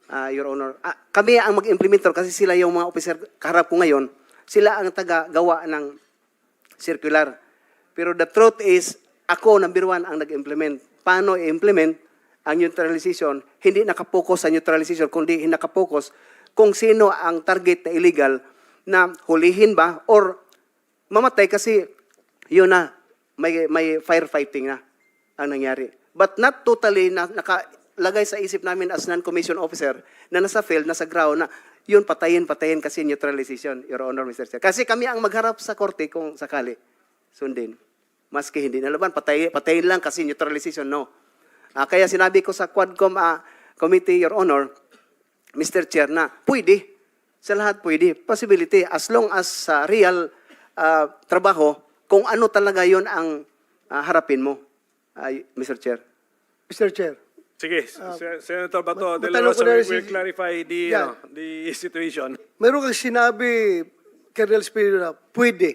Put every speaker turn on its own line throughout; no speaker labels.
Your Honor. Kami ang mag-implementor kasi sila yung mga officer kaharap ko ngayon. Sila ang taga-gawa ng circular. Pero the truth is, ako, number one, ang nag-implement. Paano i-implement ang neutralization? Hindi nakapokus sa neutralization, kundi nakapokus kung sino ang target na illegal na hulihin ba or mamatay kasi yun na, may firefighting na ang nangyari. But not totally na nakalagay sa isip namin as non-commissioned officer na nasa field, nasa ground na yun patayin kasi neutralization, Your Honor, Mr. Chair. Kasi kami ang magharap sa korte kung sakali sundin. Maski hindi nalaban, patayin lang kasi neutralization, no. Kaya sinabi ko sa Quadcom Committee, Your Honor, Mr. Chair, na pwede. Sa lahat pwede. Possibility. As long as real trabaho, kung ano talaga yon ang harapin mo, Mr. Chair.
Mr. Chair.
Sige, Senator Bato, De La
matanong ko
Rosa,
na
we will
si-
clarify
Yeah.
the situation.
Meron kang sinabi, Colonel Espino, na pwede.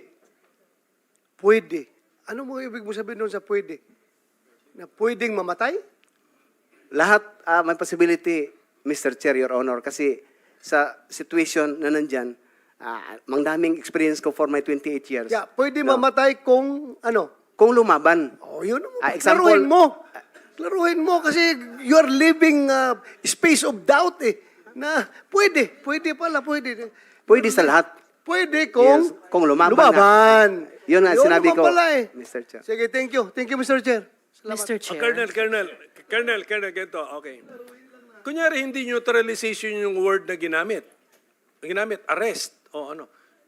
Pwede. Ano mo ibig mo sabihin doon sa pwede? Na pwedeng mamatay?
Lahat may possibility, Mr. Chair, Your Honor, kasi sa situation na nandyan, mangdaming experience ko for my 28 years.
Yeah, pwede
No.
mamatay kung ano?
Kung lumaban,
Oh, yun.
example-
Klaruhin mo. Klaruhin mo kasi you're living space of doubt eh. Na pwede pala, pwede.
pwede sa lahat.
Pwede kung,
Yes, kung lumaban
lumaban.
Yun nga sinabi
naman
ko,
pala eh.
Mr. Chair.
Sige, thank you. Thank you, Mr. Chair. Salamat.
Mr. Chair.
Colonel, ganito, okay. Kunyari, hindi neutralization yung word na ginamit. Arrest, o ano.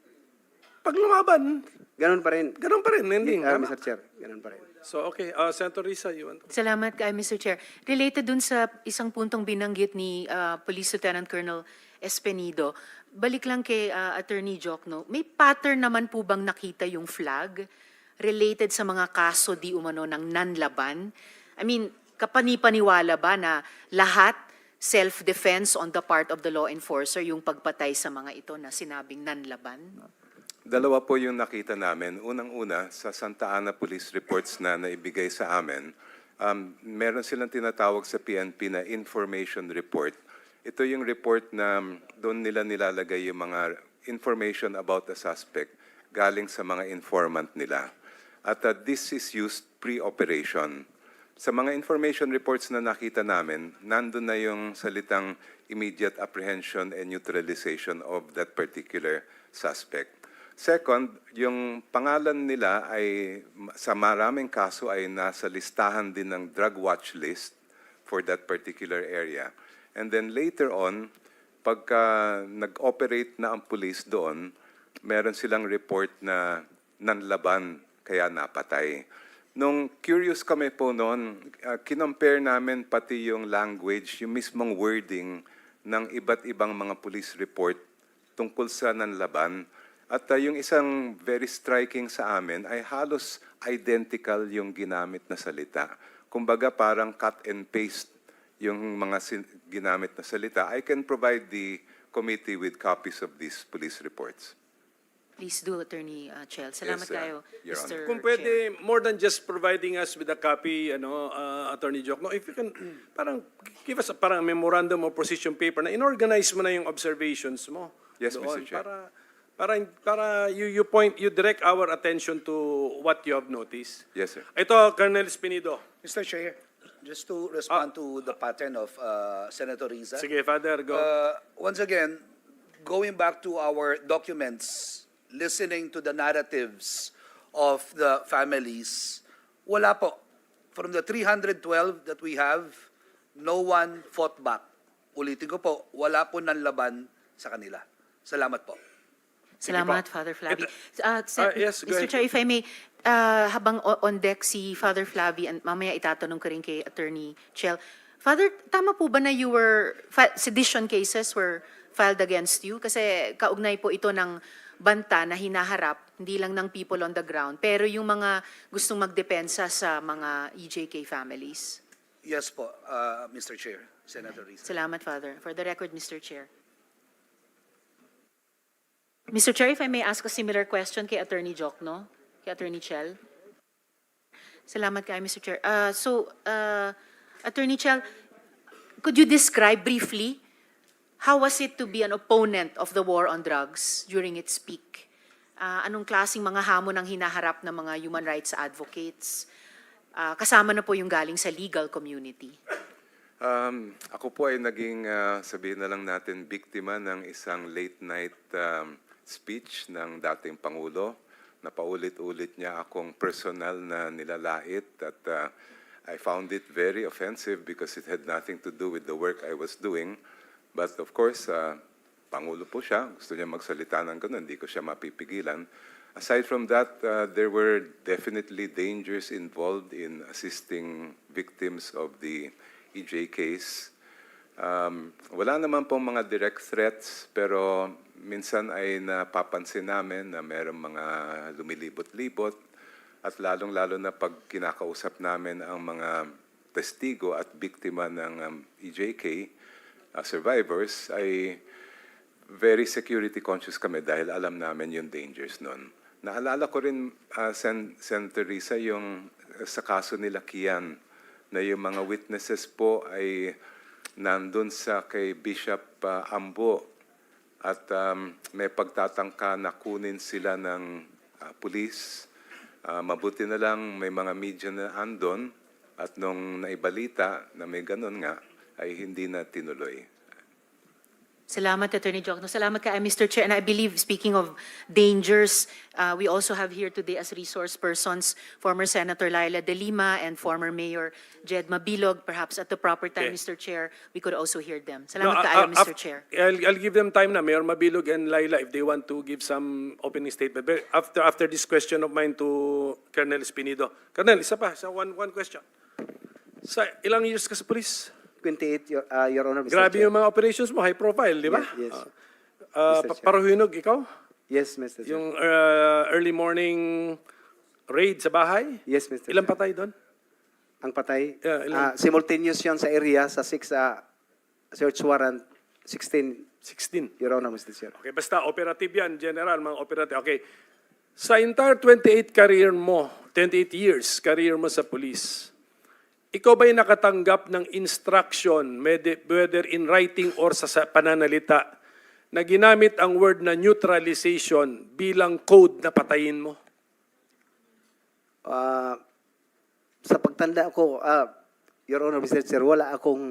Pag lumaban,
Ganun pa rin.
ending. tama?
Mr. Chair, ganun pa rin.
So, okay, Senator Risa, you want to...
Salamat kay Mr. Chair. Related dun sa isang puntong binanggit ni Police Lieutenant Colonel Espenido, balik lang kay Attorney Jokno, may pattern naman po bang nakita yung flag related sa mga kaso di umano ng nanlaban? I mean, kapanipaniwala ba na lahat self-defense on the part of the law enforcer yung pagpatay sa mga ito na sinabing nanlaban?
Dalawa po yung nakita namin. Unang-una, sa Santa Ana Police Reports na naibigay sa amin, meron silang tinatawag sa PNP na information report. Ito yung report na doon nila nilalagay yung mga information about the suspect galing sa mga informant nila. At this is used pre-operation. Sa mga information reports na nakita namin, nandun na yung salitang immediate apprehension and neutralization of that particular suspect. Second, yung pangalan nila ay sa maraming kaso ay nasa listahan din ng drug watch list for that particular area. And then later on, pagka nag-operate na ang police doon, meron silang report na nanlaban kaya napatay. Nung curious kami po noon, kinompare namin pati yung language, yung mismong wording ng iba't ibang mga police report tungkol sa nanlaban. At yung isang very striking sa amin ay halos identical yung ginamit na salita. Kumbaga parang cut and paste yung mga ginamit na salita. I can provide the committee with copies of these police reports.
Please do, Attorney Chel. Salamat
Yes,
kayo,
Your
Mr.
Kung
Chair.
pwede, more than just providing us with a copy, Attorney Jokno, if you can, parang give us a parang memorandum or position paper na inorganize mo na yung observations mo.
Yes,
doon,
Mr. Chair.
Para you direct our attention to what you have noticed.
Yes, sir.
Ito, Colonel Espinido.
Mr. Chair, just to respond to the pattern of Senator Riza.
Sige, Father, go.
Once again, going back to our documents, listening to the narratives of the families, wala po. From the 312 that we have, no one fought back. Ulitin ko po, wala po nanlaban sa kanila. Salamat po.
Salamat, Father Flavi.
yes, go
Mr.
ahead.
Chair, if I may, habang on deck si Father Flavi, and mamaya itatanong ko rin kay Attorney Chel. Father, tama po ba na sedition cases were filed against you? Kasi kaugnay po ito ng banta na hinaharap, hindi lang ng people on the ground, pero yung mga gustong magdepensa sa mga EJK families.
Yes po, Mr. Chair, Senator Riza.
Salamat, Father. For the record, Mr. Chair. Mr. Chair, if I may ask a similar question kay Attorney Jokno, kay Attorney Chel. Salamat kay Mr. Chair. Attorney Chel, could you describe briefly how was it to be an opponent of the war on drugs during its peak? Anong klaseng mga hamon ang hinaharap ng mga human rights advocates? Kasama na po yung galing sa legal community.
Ako po ay naging, sabihin na lang natin, biktima ng isang late night speech ng dating Pangulo. Napaulit-ulit niya akong personal na nilalait at I found it very offensive because it had nothing to do with the work I was doing. But of course, Pangulo po siya. Gusto niya magsalita ng ganun. Hindi ko siya mapipigilan. Aside from that, there were definitely dangers involved in assisting victims of the EJ case. Wala naman pong mga direct threats, pero minsan ay napapansin namin na mayroong mga lumilibot-libot at lalong-lalo na pag kinakausap namin ang mga testigo at biktima ng EJK survivors ay very security conscious kami dahil alam namin yung dangers nun. Naalala ko rin, Senator Risa, yung sa kaso nila Kian, na yung mga witnesses po ay nandun sa kay Bishop Ambo at may pagtatangka na kunin sila ng pulis. Mabuti na lang may mga media na andon at nung naibalita na may ganun nga, ay hindi na tinuloy.
Salamat, Attorney Jokno. Salamat ka, Mr. Chair. And I believe, speaking of dangers, we also have here today as resource persons former Senator Laila De Lima and former Mayor Jed Mabilog. Perhaps at the proper time,
Okay.
Mr. Chair, we could also hear them. Salamat ka, Mr. Chair.
I'll give them time na, Mayor Mabilog and Laila, if they want to give some opening statement. But after this question of mine to Colonel Espinido. Colonel, isa pa, one question. Sa ilang years ka sa police?
28, Your Honor, Mr.
Grabe
Chair.
yung mga operations mo, high profile, di ba?
Yes, yes. Mr. Chair.
Paruhinog, ikaw?
Yes, Mr. Chair.
Yung early morning raid sa bahay?
Yes, Mr.
Ilang
Chair.
patay doon?
Ang patay?
Yeah, ilan?
Simultaneous yun sa area, sa 6 search warrant, 16,
16.
Your Honor, Mr. Chair.
Okay, basta operative yan, general, mga operative. Okay. Sa entire 28 career mo, 28 years career mo sa police, ikaw ba'y nakatanggap ng instruction, whether in writing or sa pananalita, na ginamit ang word na neutralization bilang code na patayin mo?
Sa pagtanda ko, Your Honor, Mr. Chair, wala akong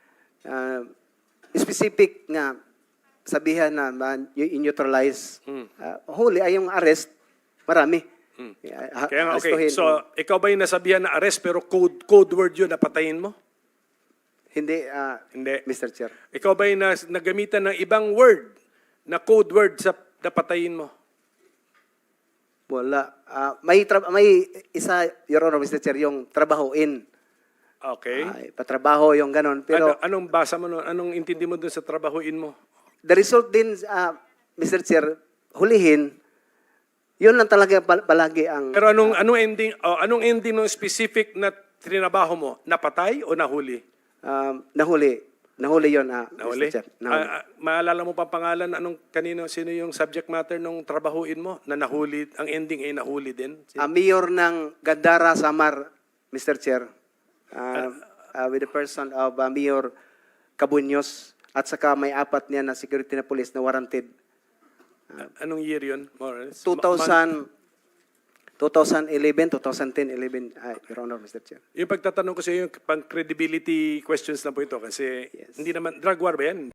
specific nga sabihan na i-neutralize. Huli ay yung arrest, marami.
Kaya nga, okay.
Arestuhin.
So, ikaw ba'y nasabihan na arrest pero code word yun na patayin mo?
Hindi,
Hindi.
Mr. Chair.
Ikaw ba'y nagamitan ng ibang word na code word sa napatayin mo?
Wala. May isa, Your Honor, Mr. Chair, yung trabahoin.
Okay.
Patrabaho yung ganon. Pero
Anong basa mo nun? Anong intindi mo dun sa trabahuin mo?
the result din, Mr. Chair, hulihin, yun lang talaga palagi ang...
Pero anong ending ng specific na trinabaho mo? Napatay o nahuli?
Nahuli. Nahuli yun,
Nahuli?
Mr. Chair. Nahuli.
Maalala mo pa pangalan sino yung subject matter nung trabahuin mo na nahuli, ang ending ay nahuli din?
Mayor ng Gandara, Samar, Mr. Chair, with the person of Mayor Cabuños, at saka may 4 niya na security na police na warranted.
Anong year yun? More or less?
2011, 2010, 11, Your Honor, Mr. Chair.
Yung pagtatanong ko sa iyo, yung pang credibility questions lang po ito kasi
Yes.
hindi naman, drug war ba yan?